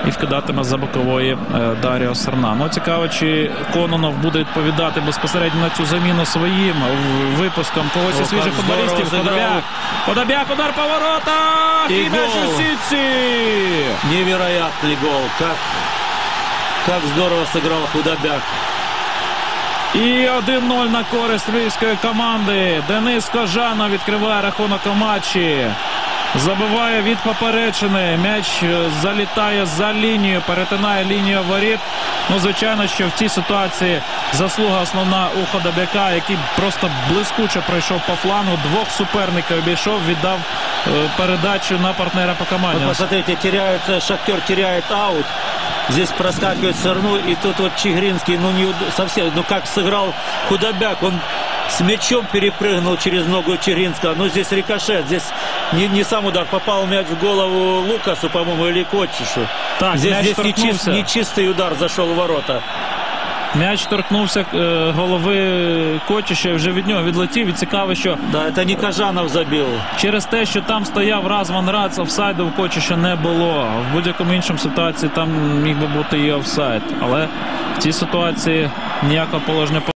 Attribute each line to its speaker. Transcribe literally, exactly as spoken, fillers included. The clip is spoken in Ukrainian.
Speaker 1: і вкидатиме за бокової Даріо Серна. Ну, цікаво, чи Кононов буде відповідати безпосередньо на цю заміну своїм випуском когось із свіжих футболістів. Подобяк. Подобяк, удар по воротах! І м'яч у сітці!
Speaker 2: Невероятный гол. Как, как здорово сыграл Худобяк.
Speaker 1: І один нуль на користь львівської команди. Денис Кожанов відкриває рахунок у матчі. Забиває від поперечини. М'яч залітає за лінію, перетинає лінію воріт. Ну, звичайно, що в цій ситуації заслуга основна у Худобяка, який просто блискуче пройшов по флангу. Двох суперників обійшов, віддав е, передачу на партнера по команді.
Speaker 2: Вот посмотрите, теряет, Шахтер теряет аут. Здесь проскакивает Серну, и тут вот Чигринский, ну не совсем, ну как сыграл Худобяк, он с мячом перепрыгнул через ногу Чигринского. Ну здесь рикошет, здесь не, не сам удар, попал мяч в голову Лукасу, по-моему, или Котчишу.
Speaker 1: Так,
Speaker 2: здесь здесь
Speaker 1: нечист,
Speaker 2: нечистый удар зашел в ворота.
Speaker 1: М'яч торкнувся е, голови Котчиша і вже від нього відлетів. І цікаво, що...
Speaker 2: Да, це не Кожанов забив.
Speaker 1: Через те, що там стояв Разван Рац, офсайду в Котчиша не було. В будь-якому іншому ситуації там міг би бути і офсайд. Але в цій ситуації ніякого положення